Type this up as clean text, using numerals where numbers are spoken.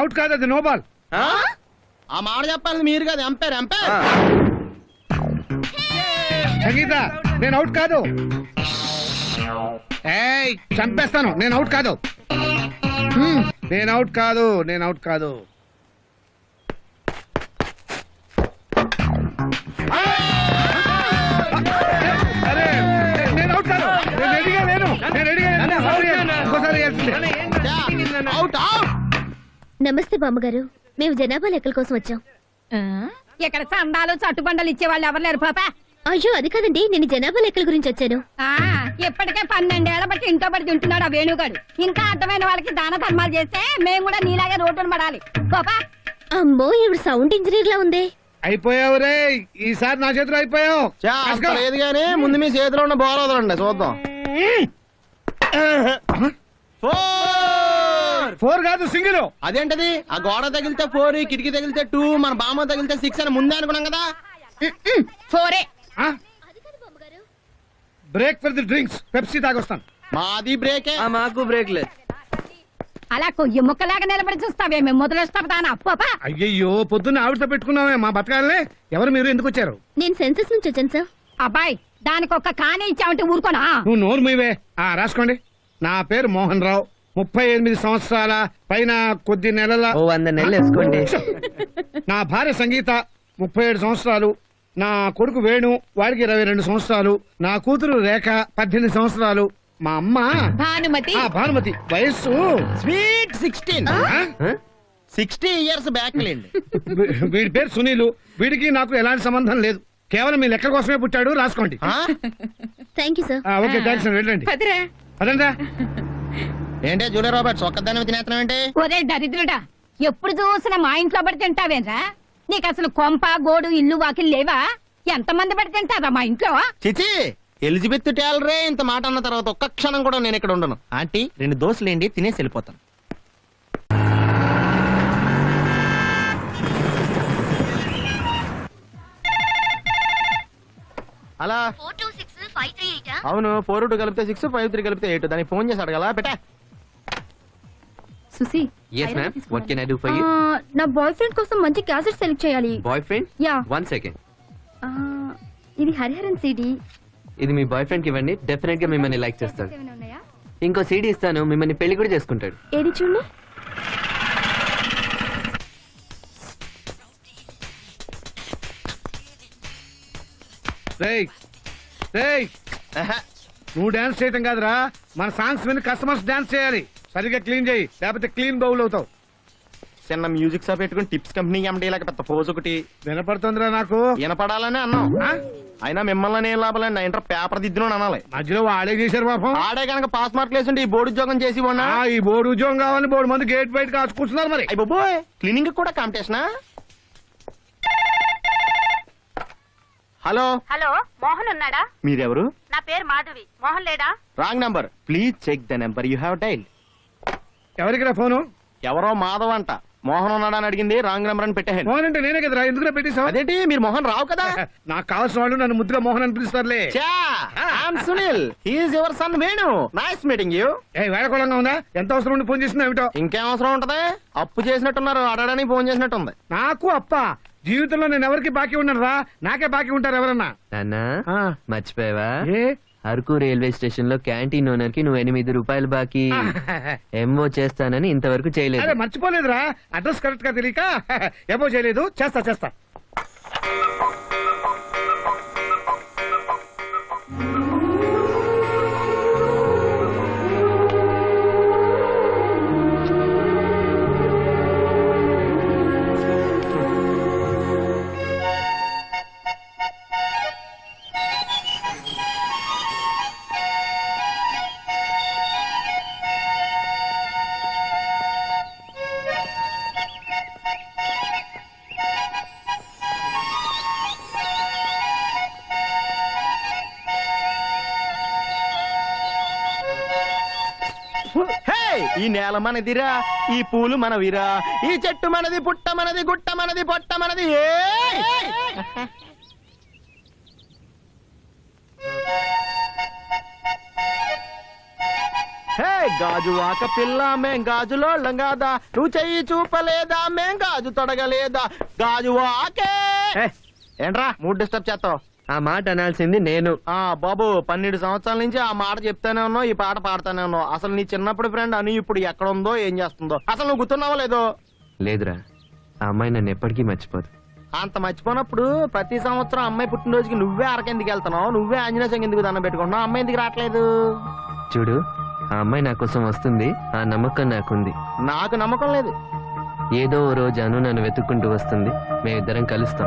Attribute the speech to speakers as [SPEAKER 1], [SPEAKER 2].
[SPEAKER 1] Out కాదు, అది no ball.
[SPEAKER 2] ఆ మాట చెప్పాలి మీరు కదా, ఎంపైర్ ఎంపైర్.
[SPEAKER 1] సంగీత నేను అవుట్ కాదు. ఏయ్ చంపేస్తాను, నేను అవుట్ కాదు. నేను అవుట్ కాదు, నేను అవుట్ కాదు. అరే నేను అవుట్ కాదు, నేను రెడీగా లేను, నేను రెడీగా లేను. ఇంకోసారి
[SPEAKER 2] అవుట్ అవుట్.
[SPEAKER 3] నమస్తే బామ్మగారు, మేము జనాభా లెక్కల కోసం వచ్చాం.
[SPEAKER 4] ఇక్కడ చందాలు చట్టుబండలు ఇచ్చే వాళ్ళు ఎవరు లేరు పాప.
[SPEAKER 3] అయ్యో అది కాదండి, నేను జనాభా లెక్కల గురించి వచ్చాను.
[SPEAKER 4] ఇప్పటికే 12 ఏళ్ల బట్టి ఇంట్లో పడి తింటున్నాడు ఆ వేణుగాడు. ఇంకా అర్థమైన వాళ్ళకి దాన ధర్మాలు చేస్తే మేము కూడా నీలాగే రోడ్డును పడాలి. పాపా
[SPEAKER 3] అమ్మో ఇవి సౌండ్ ఇంజనీర్ లా ఉంది.
[SPEAKER 1] అయిపోయావు రే, ఈసారి నా చేతిలో అయిపోయావు.
[SPEAKER 2] లేదు గానీ ముందు మీ చేతిలో ఉన్న బాల్ వదలండి చూద్దాం.
[SPEAKER 1] 4 కాదు సింగిల్.
[SPEAKER 2] అదేంటది? ఆ గోడ తగిలితే 4, కిటికీ తగిలితే 2, మన బామ్మ తగిలితే 6 అని ముందే అనుకున్నాం కదా.
[SPEAKER 4] 4.
[SPEAKER 1] Break for the drinks, Pepsi తాగొస్తాను.
[SPEAKER 2] మాది బ్రేకే.
[SPEAKER 5] మాకు బ్రేక్ లేదు.
[SPEAKER 4] అలా కొయ్యి ముక్కలాగా నిలబడి చూస్తావే, మేము మొదలొస్తాం. పాపా
[SPEAKER 1] అయ్యయ్యో పొద్దున్న ఆవిడతో పెట్టుకున్నామే మా బతకాలనే. ఎవరు మీరు, ఎందుకు వచ్చారు?
[SPEAKER 3] నేను సెన్సస్ నుంచి వచ్చాను సార్.
[SPEAKER 4] అబ్బాయి దానికి ఒక్క కానే ఇచ్చావంటే ఊరుకోనా?
[SPEAKER 1] నువ్వు నోరు మీవే. రాసుకోండి. నా పేరు మోహన్ రావు, 38 సంవత్సరాల పైన కొద్ది నెలల.
[SPEAKER 5] 100 నెలలు వేసుకోండి.
[SPEAKER 1] నా భార్య సంగీత 37 సంవత్సరాలు. నా కొడుకు వేణు, వాడికి 22 సంవత్సరాలు. నా కూతురు రేఖ 18 సంవత్సరాలు. మా అమ్మ భానుమతి, వయస్సు
[SPEAKER 2] స్వీట్ 16. 60 ఇయర్స్ బ్యాక్ లేండి.
[SPEAKER 1] వీడి పేరు సునీలు. వీడికి నాకు ఎలాంటి సంబంధం లేదు, కేవలం మీ లెక్క కోసమే పుట్టాడు. రాసుకోండి.
[SPEAKER 3] Thank you sir.
[SPEAKER 1] Okay thanks. వెళ్ళండి. అదంతా
[SPEAKER 2] ఏంటే జూలియా రాబర్ట్స్ ఒక్కదాని తినేస్తున్నాం ఏంటి?
[SPEAKER 4] ఒరే దరిద్రుడా, ఎప్పుడు చూసినా మా ఇంట్లో పడి తింటావేరా? నీకు అసలు కొంప గోడు ఇల్లు వాకిలు లేవా? ఎంతమంది పడి తింటారా మా ఇంట్లో?
[SPEAKER 2] చిచి, ఎలిజబెత్ టేలరే ఇంత మాట అన్న తర్వాత ఒక్క క్షణం కూడా నేను ఇక్కడ ఉండను. ఆంటీ 2 దోశలేండి, తినేసి వెళ్ళిపోతాను. అలా అవును, 4-2 కలిపితే 6, 5-3 కలిపితే 8. దానికి ఫోన్ చేసి అడగలా పెట్టా.
[SPEAKER 6] Susi,
[SPEAKER 5] yes ma'am, what can I do for you?
[SPEAKER 6] నా బాయ్ ఫ్రెండ్ కోసం మంచి క్యాసెట్ సెలెక్ట్ చేయాలి.
[SPEAKER 5] Boyfriend?
[SPEAKER 6] యా.
[SPEAKER 5] 1 second.
[SPEAKER 6] ఇది హరిహరన్ సిడి.
[SPEAKER 5] ఇది మీ బాయ్ ఫ్రెండ్ కి ఇవ్వండి, డెఫినెట్ గా మిమ్మల్ని లైక్ చేస్తాడు. ఇంకో సీడీ ఇస్తాను, మిమ్మల్ని పెళ్లి కూడా చేసుకుంటాడు.
[SPEAKER 6] ఏది చూడండి.
[SPEAKER 1] నువ్వు డాన్స్ చేయటం కాదురా, మన సాంగ్స్ మీద కస్టమర్స్ డాన్స్ చేయాలి. సరిగ్గా క్లీన్ చేయి, లేకపోతే క్లీన్ బౌల్ అవుతావు.
[SPEAKER 2] చిన్న మ్యూజిక్ షాప్ పెట్టుకుని టిప్స్ కంపెనీ ఎండి లాగా పెద్ద పోజ్ ఒకటి
[SPEAKER 1] వినపడుతుందిరా నాకు.
[SPEAKER 2] వినపడాలని అన్నాం. అయినా మిమ్మల్ని ఏం లాభాలండి, నా ఇంటర్ పేపర్ దిద్దును అనాలి.
[SPEAKER 1] మధ్యలో వాడే చేశారు పాపం.
[SPEAKER 2] ఆడే కనుక పాస్ మార్కులు వేసుంటే ఈ బోర్డు ఉద్యోగం చేసి ఉన్నా.
[SPEAKER 1] ఈ బోర్డు ఉద్యోగం కావాలని బోర్డు మంది గేట్ బయట కాచుకుంటున్నారు. మరి
[SPEAKER 2] బాబోయ్, క్లీనింగ్ కూడా కాంపిటీషనా? హలో
[SPEAKER 4] హలో, మోహన్ ఉన్నాడా?
[SPEAKER 2] మీరెవరు?
[SPEAKER 4] నా పేరు మాధవి. మోహన్ లేడా?
[SPEAKER 2] Wrong number, please check the number you have dialled.
[SPEAKER 1] ఎవరికిరా ఫోను?
[SPEAKER 2] ఎవరో మాధవ్ అంట. మోహన్ ఉన్నాడా అని అడిగింది, రాంగ్ నెంబర్ అని పెట్టాను.
[SPEAKER 1] మోహన్ అంటే నేనే కదరా, ఎందుకు పెట్టేశావు?
[SPEAKER 2] అదేంటి, మీరు మోహన్ రావు కదా?
[SPEAKER 1] నాకు కావాల్సిన వాళ్ళు నన్ను ముద్దుగా మోహన్ అని పిలుస్తారులే.
[SPEAKER 2] Sunil, he's your son Venu. Nice meeting you.
[SPEAKER 1] వేడకోళంగా ఉందా? ఎంత అవసరం ఉండి ఫోన్ చేసింది ఏమిటో?
[SPEAKER 2] ఇంకేం అవసరం ఉంటది, అప్పు చేసినట్టున్నారు, అడగడానికి ఫోన్ చేసినట్టుంది.
[SPEAKER 1] నాకు అప్ప జీవితంలో నేను ఎవరికి బాకీ ఉన్నాను రా, నాకే బాకీ ఉంటారు ఎవరన్నా.
[SPEAKER 5] నాన్నా మర్చిపోయావా?
[SPEAKER 1] ఏ
[SPEAKER 5] అరకు రైల్వే స్టేషన్ లో క్యాంటీన్ ఓనర్ కి నువ్వు 8 రూపాయలు బాకీ ఎంఓ చేస్తానని ఇంతవరకు చేయలేదు.
[SPEAKER 1] మర్చిపోలేదురా, అడ్రస్ కరెక్ట్ గా తెలియక ఏమో చేయలేదు. చేస్తా.
[SPEAKER 2] ఈ నేల మనదిరా, ఈ పూలు మనవిరా, ఈ చెట్టు మనది, పుట్ట మనది, గుట్ట మనది, పొట్ట మనది. హే గాజు వాక పిల్ల మేం గాజులోళ్ళం కాదా, నువ్వు చెయ్యి చూపలేదా మేం గాజు తొడగలేదా, గాజు వాకే. ఏంట్రా మూడ్ డిస్టర్బ్ చేస్తావు?
[SPEAKER 5] ఆ మాట అనాల్సింది నేను.
[SPEAKER 2] బాబు 12 సంవత్సరాల నుంచి ఆ మాట చెప్తానే ఉన్నావు, ఈ పాట పాడుతానే ఉన్నావు. అసలు నీ చిన్నప్పుడు ఫ్రెండ్ అని ఇప్పుడు ఎక్కడ ఉందో ఏం చేస్తుందో అసలు నువ్వు గుర్తున్నావో లేదో?
[SPEAKER 5] లేదురా, ఆ అమ్మాయి నన్ను ఎప్పటికీ మర్చిపోదు.
[SPEAKER 2] అంత మర్చిపోయినప్పుడు ప్రతి సంవత్సరం అమ్మాయి పుట్టినరోజుకి నువ్వే అరకెందుకు వెళ్తున్నావు, నువ్వే ఆంజనేయ స్వామి ఎందుకు దండం పెట్టుకుంటున్నావు, అమ్మాయి ఎందుకు రావట్లేదు?
[SPEAKER 5] చూడు, ఆ అమ్మాయి నా కోసం వస్తుంది, ఆ నమ్మకం నాకుంది.
[SPEAKER 2] నాకు నమ్మకం లేదు.
[SPEAKER 5] ఏదో ఓ రోజు అను నన్ను వెతుక్కుంటూ వస్తుంది, మేమిద్దరం కలుస్తాం.